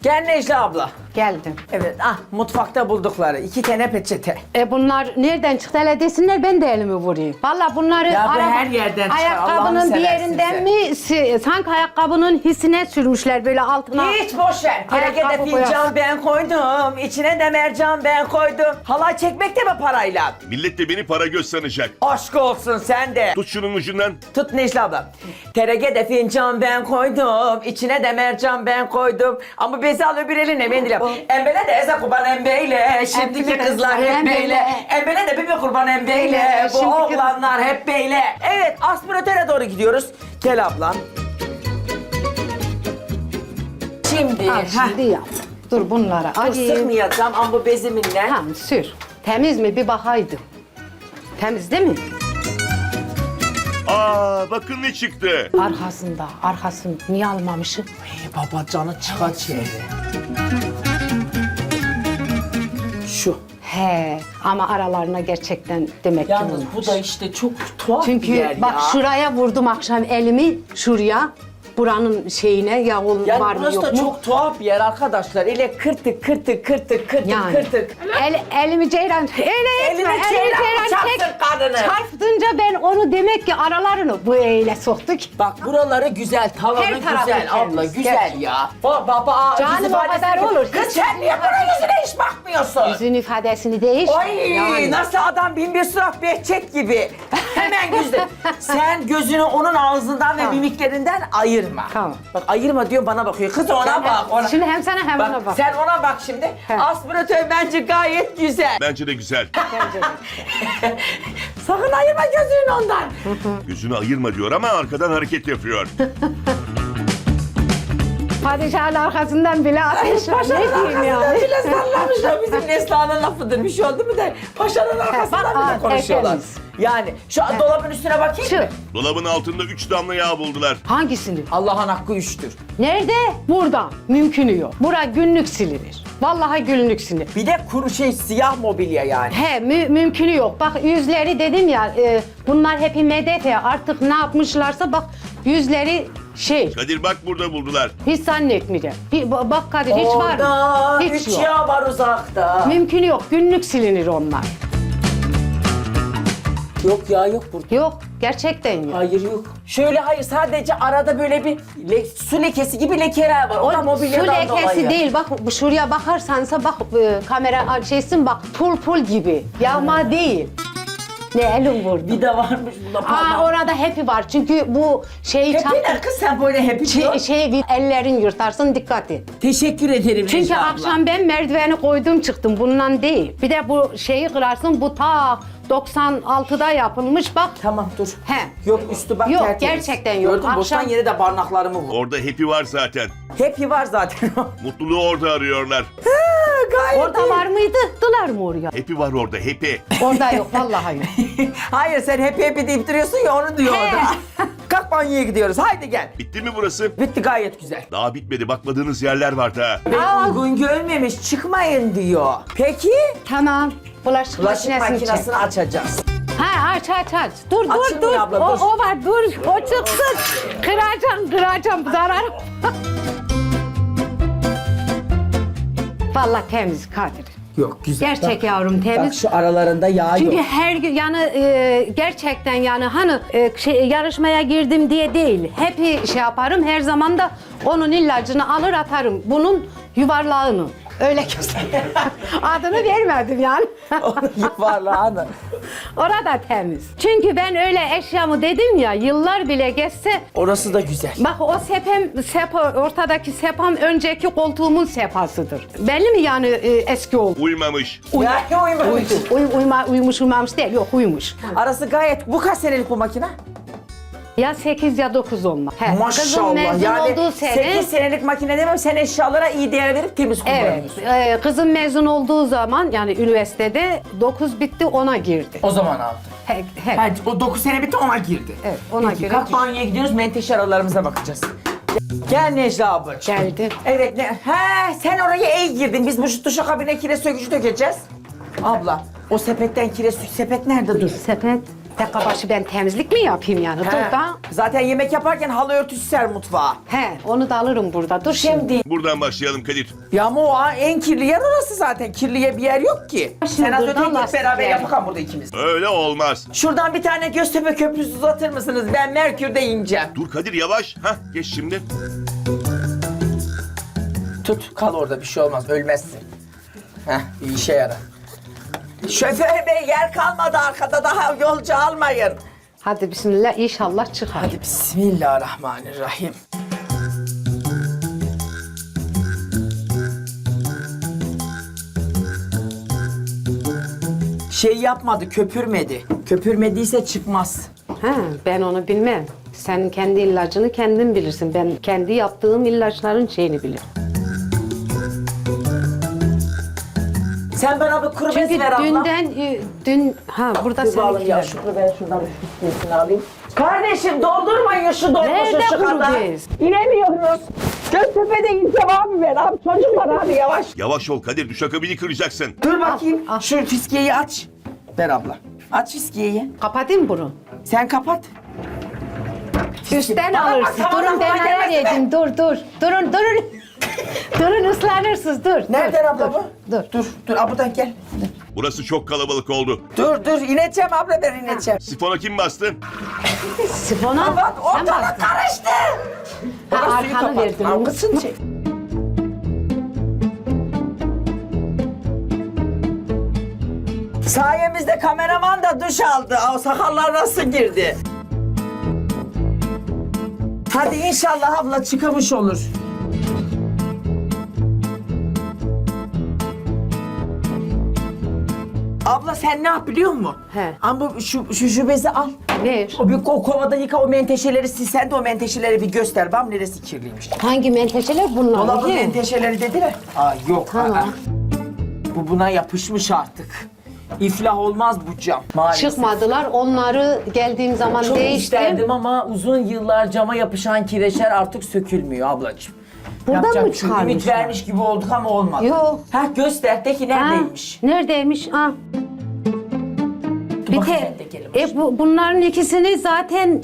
Gel Necla abla. Geldim. Evet, mutfakta buldukları 2 tane peçete. Bunlar nereden çıktı hele desinler ben de elimi vurayım. Valla bunları Ya bu her yerden çıkar, Allah'ını ayakkabının bir seversin yerinden sen. mi sanki ayakkabının hissine sürmüşler böyle altına. Hiç boş ver. Terekede Ayakkabı fincan boyası. ben koydum. İçine de mercan ben koydum. Halay çekmek de mi parayla? Millet de beni para göz sanacak. Aşk olsun sen de. Tut şunun ucundan. Tut Necla abla. Terekede fincan ben koydum. İçine de mercan ben koydum. Ama bezi al öbür eline mendile. Embele de eze kurban embeyle. Şimdiki Embele kızlar hep embele. beyle. Embele de bir kurban embeyle. Bu Şimdiki oğlanlar hep beyle. Evet, aspiratöre doğru gidiyoruz. Gel ablam. Şimdi. Al şimdi yap. Dur bunlara Dur alayım. sıkmayacağım ama bu beziminle. Tamam sür. Temiz mi bir bakaydım. Temiz değil mi? Aa bakın ne çıktı. Arkasını niye almamışım? Hey baba canı çıkar çevre. Şu. He ama aralarına gerçekten demek ki Yalnız olmuş. bu da işte çok tuhaf Çünkü bir yer bak ya. şuraya vurdum akşam elimi şuraya. Buranın şeyine ya Yani var mı burası yok da mu? çok tuhaf bir yer arkadaşlar. Öyle kırtık Yani. kırtık. Elimi ceyran öyle Elini etme. ceyran çarpsın kadını. Çarptınca ben onu demek ki aralarını bu eyle soktuk. Bak buraları güzel, tavanı Her tarafı güzel abla, temiz, güzel gerçekten. ya. Baba, Canım, yüz o ifadesi- kadar olur. Kız sen niye bana yüzüne hiç bakmıyorsun? Yüzün ifadesini değiş. Ay Yani. nasıl adam bin bir surat Behçet gibi. Hemen gözle. Sen gözünü onun ağzından ve Tamam. mimiklerinden ayırma. Tamam. Bak ayırma diyor bana bakıyor. Kız ona bak. Ona. Şimdi hem sana hem Bak, ona bak. sen ona bak şimdi. He. Aspiratör bence gayet güzel. Bence de güzel. Sakın ayırma gözünü ondan. Gözünü ayırma diyor ama arkadan hareket yapıyor. Padişahın arkasından bile ateş var. Ne diyeyim ya? Arkasından bile sallamışlar. Bizim Neslihan'ın lafıdır. Bir şey oldu mu da paşanın arkasından bak, bile konuşuyorlar. tertemiz. Yani şu dolabın üstüne bakayım Şu. mı? Dolabın altında 3 damla yağ buldular. Hangisini? Allah'ın hakkı üçtür. Nerede? Burada. Mümkünü yok. Bura günlük silinir. Vallahi günlük silinir. Bir de kuru siyah mobilya yani. He mümkünü yok. Bak yüzleri dedim ya bunlar hepi medet ya artık ne yapmışlarsa bak yüzleri şey Kadir bak burada buldular. hiç zannetmeyeceğim. Bak Kadir hiç var mı? Orada Hiç üç yok. yağ var uzakta. Mümkünü yok. Günlük silinir onlar. Yok ya yok burada. Yok. Gerçekten yok. Hayır yok. Şöyle hayır sadece arada böyle bir su lekesi gibi lekeler var. O da Su mobilyadan lekesi dolayı. değil. Bak şuraya bakarsansa bak kamera şeysin bak pul gibi. Yağma değil. Ne elim vurdu. Bir de varmış bunda parmak. Orada hepi var. Çünkü bu şeyi Hepi ne kız sen böyle hepi diyor. ellerin yırtarsın dikkat et. Teşekkür ederim Çünkü Necla abla. akşam ben merdiveni koydum çıktım bundan değil. Bir de bu şeyi kırarsın bu ta 96'da yapılmış bak. Tamam dur. He. Yok üstü bak Yok, tertemiz. gerçekten yok. Gördün boştan Akşam- yere de barnaklarımı vur. Orada hepi var zaten. Hepi var zaten. Mutluluğu orada arıyorlar. Gayet Orada iyi. var mıydı? Dılar mı oraya? Hepi var orada hepi. Orada yok vallahi yok. Hayır sen hepi deyip duruyorsun ya onu diyor He. orada. Kalk banyoya gidiyoruz haydi gel. Bitti mi burası? Bitti gayet güzel. Daha bitmedi bakmadığınız yerler var daha. Ben uygun görmemiş çıkmayın diyor. Peki? Tamam. Bulaşık Bulaşık makinesini çek. makinesini açacağız. Ha aç. Dur Açılmıyor dur. abla, dur. O var dur. O çıksın. Kıracağım zarar. Vallahi temiz Kadir. Yok güzel. Gerçek Bak, yavrum temiz. Bak şu aralarında yağ Çünkü yok. her gün yani gerçekten yani hani yarışmaya girdim diye değil. Hep şey yaparım her zaman da onun ilacını alır atarım. Bunun yuvarlağını. Öyle göster. Adını vermedim yani. Onun yuvarlağını. Orada temiz. Çünkü ben öyle eşyamı dedim ya yıllar bile geçse Orası da güzel. bak o ortadaki sepam önceki koltuğumun sepasıdır. Belli mi yani eski oldu? Uymamış. Ya uyumamış. Uyumuş uyumamış değil yok uyumuş. Arası gayet... Bu kaç senelik bu makine? Ya 8 ya 9 olma. Kızım Maşallah. mezun Yani olduğu sene 8 senelik makine demem sen eşyalara iyi değer verip temiz evet, kullanıyorsun. kızım mezun olduğu zaman yani üniversitede 9 bitti 10'a girdi. O zaman aldı. He. Ha, o 9 sene bitti ona girdi. Evet, ona Peki, göre kalk düş- banyoya gidiyoruz menteşe aralarımıza bakacağız. Gel Necla ablacığım. Geldi. Evet sen oraya iyi girdin. Biz bu duşakabine kire sökücü dökeceğiz. Abla o sepetten sepet nerede dur? Sepet. Dakika başı ben temizlik mi yapayım yani? He. Dur da. Zaten yemek yaparken halı örtüsü ser mutfağa. He, onu da alırım burada. Dur şimdi. Şimdi Buradan başlayalım Kadir. ya ama o en kirli yer orası zaten. Kirliye bir yer yok ki. Sen az buradan öteki git beraber lastikler. yapalım burada ikimiz. Öyle olmaz. Şuradan bir tane Göztepe Köprüsü uzatır mısınız? Ben Merkür'de ineceğim. Dur Kadir yavaş. Hah geç şimdi. Tut, kal orada bir şey olmaz, ölmezsin. Heh, bir işe yarar. Şoför bey yer kalmadı arkada, daha yolcu almayın. Hadi bismillah, inşallah çıkar. Hadi bismillahirrahmanirrahim. Şey yapmadı, köpürmedi. Köpürmediyse çıkmaz. Ha, ben onu bilmem. Sen kendi ilacını kendin bilirsin. Ben kendi yaptığım ilaçların şeyini bilirim. Sen bana bir kuru bez Çünkü ver abla. Burada Dur bağlayayım seninkiler. ya, şu kuru ben şuradan bir fiskiyesini alayım. Kardeşim doldurmayın şu dolmuşu Nerede şu kadar. kuru bez? İnemiyoruz. Göztepe'de ineceğim abi ben. Abi çocuklar abi yavaş. Yavaş ol Kadir duşakabini kıracaksın. Dur bakayım. al. Şu fiskiyeyi aç. Ver abla. Aç fiskiyeyi. Kapatayım bunu. Sen kapat. Üstten Bana bak, alırsın. tamam, Durun ben tamam, neler gelmesin be. yedim. Dur. Durun. Durun ıslanırsınız. Dur. Nereden dur, abla bu? Dur. Dur abladan gel. Burası çok kalabalık oldu. Dur ineceğim abla ben ineceğim. Sifona kim bastı? Sifona Aman sen ortalık bastın. karıştı. Ha, Baba, suyu arkanı kapat. verdin. Algısın çek. Sayemizde kameraman da duş aldı. O sakallar nasıl girdi? Hadi inşallah abla çıkamış olur. Abla sen ne yap biliyor musun? He. Ama şu bezi al. Ver. O kovada yıka o menteşeleri sil. Sen de o menteşeleri bir göster. Bam neresi kirliymiş. Hangi menteşeler bunlar? Dolabın değil mi? menteşeleri dediler. Aa yok. Tamam. aa. Bu buna yapışmış artık. İflah olmaz bu cam. Maalesef. Çıkmadılar. Onları geldiğim zaman Çok değiştim. isterdim ama uzun yıllar cama yapışan kireçler artık sökülmüyor ablacığım. Buradan Yapacak mı bir şey yok. Ümit çıkarmışlar? vermiş gibi olduk ama olmadı. Yok. Ha göster de ki Ha, neredeymiş? neredeymiş? Ha. Bir bakayım te- ben de gelin bunların ikisini zaten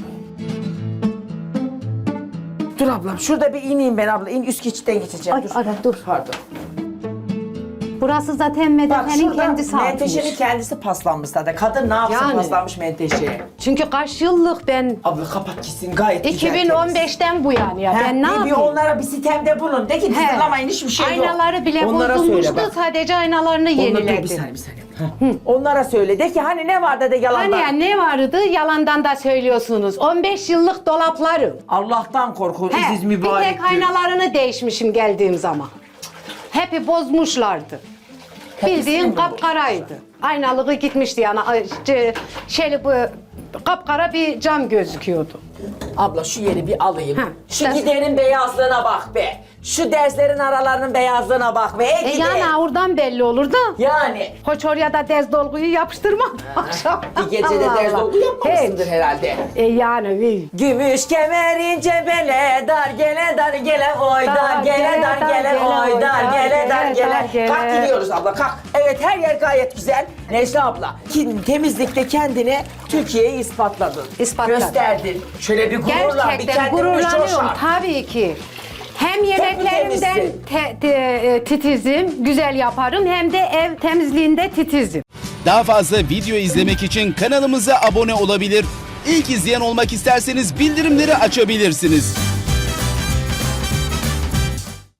Dur ablam şurada bir ineyim ben abla. İn üst geçitten geçeceğim. Ay, dur. ara, dur. Pardon. burası zaten Bak Medefe'nin şurada kendisi menteşenin atmış. kendisi paslanmış zaten. Kadın ne yapsın Yani. paslanmış menteşeye? Çünkü kaç yıllık ben Abla kapat gitsin gayet güzel. temiz. 2015'ten bu yani ya. Ha, Ben ne bir yapayım? onlara bir sitemde bulun. De ki He. hazırlamayın hiçbir şey yok. Aynaları bile Onlara bozulmuştu. söyle bak. Sadece aynalarını Onlara, dur, yeniledim. bir saniye. Heh. Onlara söyle. De ki hani ne vardı de yalandan. Hani ya ne vardı? Yalandan da söylüyorsunuz. 15 yıllık dolaplarım. Allah'tan korkun He, İziz bir mübarek. tek aynalarını değişmişim geldiğim zaman. Hepi bozmuşlardı. Hepsini Bildiğin mi kapkaraydı. Aynalığı gitmişti yani. Şöyle bu kapkara bir cam gözüküyordu. Abla şu yeri bir alayım. Ha, Şu ders- giderin beyazlığına bak be. Şu derslerin aralarının beyazlığına bak be. Ey gide. Yani oradan belli olur da. Yani. Hoç oraya da dez dolguyu yapıştırma. Akşam. Bir gecede Allah ders Allah. dolgu yapmamışsındır herhalde. Yani bir. Gümüş kemerince bele dar gele dar gele oy dar gele dar gele oy dar gele dar gele. Kalk gidiyoruz abla kalk. Evet her yer gayet güzel. Necla abla temizlikte kendini Türkiye'ye ispatladın. İspatladım. Gösterdin. Şöyle bir gururla bir Gerçekten kendini bir gururlanıyorum coşar. tabii ki. Hem yemeklerimden temizsin? titizim, güzel yaparım hem de ev temizliğinde titizim. Daha fazla video izlemek için kanalımıza abone olabilir. İlk izleyen olmak isterseniz bildirimleri açabilirsiniz.